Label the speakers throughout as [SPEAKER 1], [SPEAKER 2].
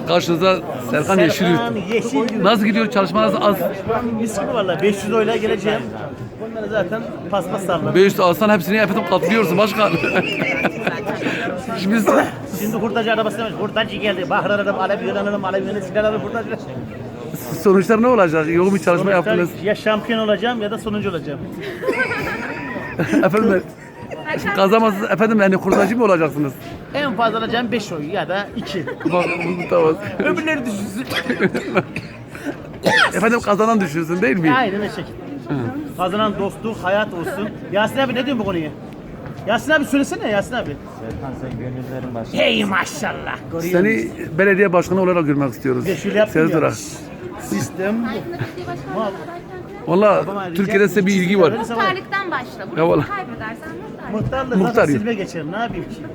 [SPEAKER 1] Karşınızda Serkan Yeşilyurt.
[SPEAKER 2] Yeşilyurt.
[SPEAKER 1] Nasıl gidiyor? Çalışmanız az.
[SPEAKER 2] Mis gibi valla 500 oyla geleceğim. Bunları zaten paspas sallar.
[SPEAKER 1] 500 alsan hepsini efendim katlıyorsun başkan. Şimdi
[SPEAKER 2] Şimdi hurdacı arabası demiş. Hurdacı geldi. Bahar aradım, alev yönelelim, alev yönelelim, silah alalım, hurdacı.
[SPEAKER 1] sonuçlar ne olacak? Yoğun bir çalışma yaptınız.
[SPEAKER 2] Ya şampiyon olacağım ya da sonuncu olacağım.
[SPEAKER 1] Efendim kazamazsınız efendim yani kurtacı mı olacaksınız?
[SPEAKER 2] En fazla alacağım 5 oy ya da 2.
[SPEAKER 1] Bak tamam.
[SPEAKER 2] Öbürleri düşünsün.
[SPEAKER 1] Efendim kazanan düşüyorsun değil mi?
[SPEAKER 2] Aynen o şekilde. Kazanan dostluk, hayat olsun. Yasin abi ne diyorsun bu konuya? Yasin abi söylesene Yasin abi.
[SPEAKER 3] Serkan sen gönüllerin başı.
[SPEAKER 2] Hey maşallah.
[SPEAKER 1] Seni belediye başkanı olarak görmek istiyoruz.
[SPEAKER 2] Bir de şöyle yaptım
[SPEAKER 1] Sezdur
[SPEAKER 2] ya.
[SPEAKER 1] Ağa.
[SPEAKER 2] Sistem
[SPEAKER 1] Valla Türkiye'de size bir ilgi var.
[SPEAKER 4] Muhtarlıktan başla. Bunu
[SPEAKER 1] Ya vallahi.
[SPEAKER 4] kaybedersen muhtar.
[SPEAKER 2] muhtarlık
[SPEAKER 1] Muhtar
[SPEAKER 2] zaten
[SPEAKER 1] yok.
[SPEAKER 2] silme geçerim ne yapayım ki?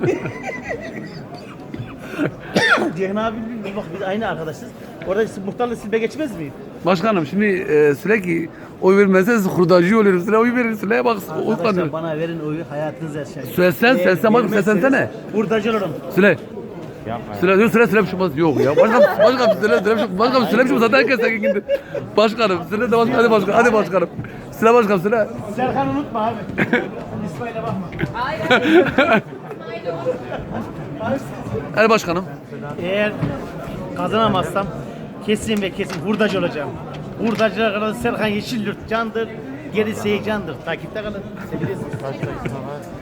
[SPEAKER 2] Ceyhun abi bak biz aynı arkadaşız. Orada muhtarlık silme geçmez miyim?
[SPEAKER 1] Başkanım şimdi sürekli oy vermezseniz hurdacı oluyoruz. Süre oy verin. Süreye bak.
[SPEAKER 2] Arkadaşlar
[SPEAKER 1] Utlanıyor.
[SPEAKER 2] bana verin oyu hayatınız yaşayın.
[SPEAKER 1] Seslen bakayım seslensene.
[SPEAKER 2] Hurdacı olurum.
[SPEAKER 1] Süre.
[SPEAKER 3] Yapma.
[SPEAKER 1] Süre bir şey olmaz. Yok ya. Başkanım süre bir şey olmaz. Zaten herkes tekin gitti. Başkanım süre de başkanım. Hadi başkanım. Süre başkanım süre.
[SPEAKER 2] Serkan unutma abi. İsmail'e bakma.
[SPEAKER 1] Hadi başkanım.
[SPEAKER 2] Eğer kazanamazsam kesin ve kesin hurdacı olacağım. Hurdacılar kadar Serkan Yeşilyurt candır. Gerisi candır. Takipte kalın. Sevilirsiniz.